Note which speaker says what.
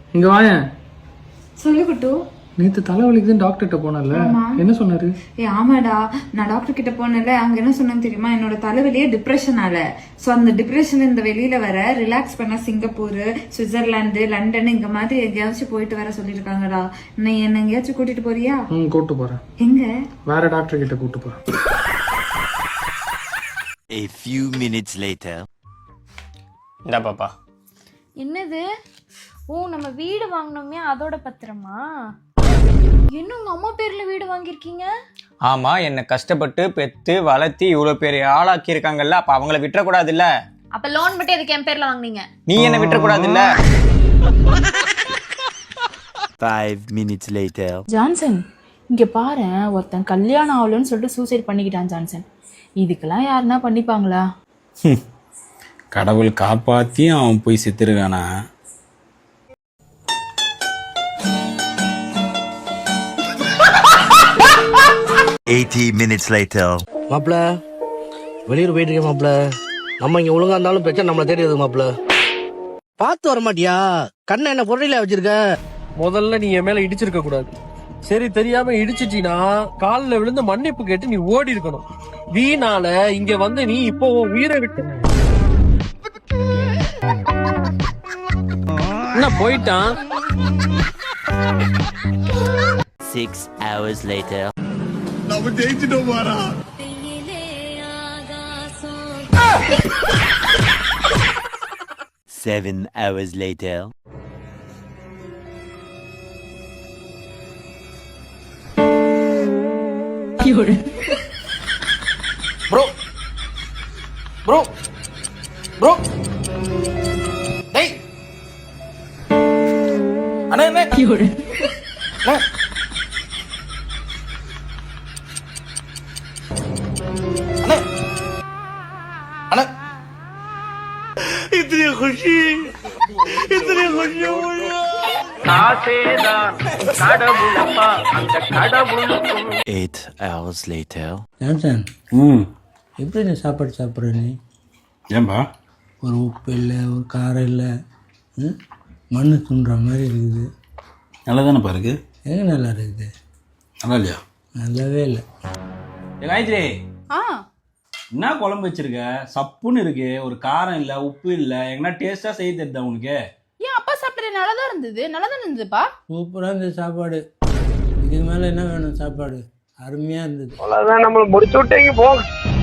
Speaker 1: இங்க வாயேன்.
Speaker 2: சொல்லு குட்டு.
Speaker 1: நேத்து தலைவலிக்குதுன்னு டாக்டர்கிட்ட போனல, என்ன சொன்னாரு?
Speaker 2: ஆமாடா, நான் டாக்டர் கிட்ட போனல. அங்க என்ன சொன்னேன்னு தெரியுமா? என்னோட தலைவலியே டிப்ரெஷனால. சோ அந்த டிப்ரெஷன் இந்த வெளியில வர ரிலாக்ஸ் பண்ண சிங்கப்பூர், சுவிட்சர்லாந்து, லண்டன் இந்த மாதிரி எங்கேயாச்சும் போயிட்டு வர சொல்லிருக்காங்கடா. நீ என்ன எங்கேயாச்சும் கூட்டிட்டு போறியா?
Speaker 1: கூட்டு போறேன்.
Speaker 2: எங்க?
Speaker 1: வேற டாக்டர் கிட்ட கூட்டு போறேன்.
Speaker 3: A few minutes later.
Speaker 4: இந்தா பாப்பா.
Speaker 5: என்னது? ஓ, நம்ம வீடு வாங்கினோமே அதோட பத்திரமா? என்ன உங்க அம்மா பேர்ல வீடு வாங்கியிருக்கீங்க?
Speaker 4: ஆமா, என்ன கஷ்டப்பட்டு பெத்து வளர்த்தி இவ்வளவு பெரிய ஆளாக்கி இருக்காங்கல்ல, அப்ப அவங்கள விட்டுறக்கூடாது இல்ல.
Speaker 5: அப்ப லோன் மட்டும் எதுக்கு என் பேர்ல வாங்குனீங்க?
Speaker 4: நீ என்ன விட்டுறக்கூடாது இல்ல.
Speaker 3: 5 minutes later.
Speaker 6: ஜான்சன், இங்க பாரு, ஒருத்தன் கல்யாணம் ஆகலன்னு சொல்லிட்டு சூசைட் பண்ணிக்கிட்டான் ஜான்சன். இதுக்கெல்லாம் யாருன்னா பண்ணிப்பாங்களா?
Speaker 7: கடவுள் காப்பாத்தி அவன் போய் செத்துருக்கானா?
Speaker 3: minutes later.
Speaker 8: மாப்பிள, வெளியூர் போயிட்டு இருக்கேன் மாப்பிள. நம்ம இங்க ஒழுங்கா இருந்தாலும் பிரச்சனை நம்மள தேடி வருது மாப்பிள. பார்த்து வர மாட்டியா? கண்ணை என்ன பொருளையில வச்சிருக்க?
Speaker 9: முதல்ல நீ என் மேல இடிச்சிருக்க கூடாது. சரி, தெரியாம இடிச்சிட்டீனா காலில் விழுந்து மன்னிப்பு கேட்டு நீ ஓடி இருக்கணும். வீணால இங்க வந்து நீ இப்போ உயிரை விட்டு என்ன போயிட்டான்.
Speaker 3: 6 hours later.
Speaker 7: நம்ம ஜெயிச்சிட்டோம் பாரா.
Speaker 3: 7 hours later.
Speaker 8: Bro bro bro டேய் அண்ணா என்ன அண்ணா அண்ணா அண்ணா इतनी खुशी
Speaker 9: ஆசேதான் கடவுளப்பா, அந்த கடவுளுக்கும்
Speaker 3: 8 hours later.
Speaker 10: ஜான்சன், எப்படி நீ சாப்பாடு சாப்பிட்ற? நீ
Speaker 7: ஏன்பா?
Speaker 10: ஒரு உப்பு இல்லை, ஒரு காரம் இல்லை, மண்ணு துண்டுற மாதிரி இருக்குது.
Speaker 7: நல்லா தானேப்பா இருக்கு.
Speaker 10: எங்கே நல்லா இருக்குது?
Speaker 7: நல்லா இல்லையா?
Speaker 10: நல்லாவே இல்லை.
Speaker 7: காயத்ரி, என்ன குழம்பு வச்சிருக்க? சப்புன்னு இருக்கு. ஒரு காரம் இல்லை, உப்பு இல்லை. எங்கன்னா டேஸ்டா செய்ய தெரியுதா உனக்கு?
Speaker 6: ஏன் அப்பா சாப்பிட்ற நல்லதான் இருந்தது, நல்லதான் இருந்ததுப்பா.
Speaker 10: சூப்பராக இருந்தது சாப்பாடு. இதுக்கு மேலே என்ன வேணும்? சாப்பாடு அருமையாக இருந்தது.
Speaker 9: அவ்வளவுதான், நம்மள முடிச்சு விட்டீங்க போங்க.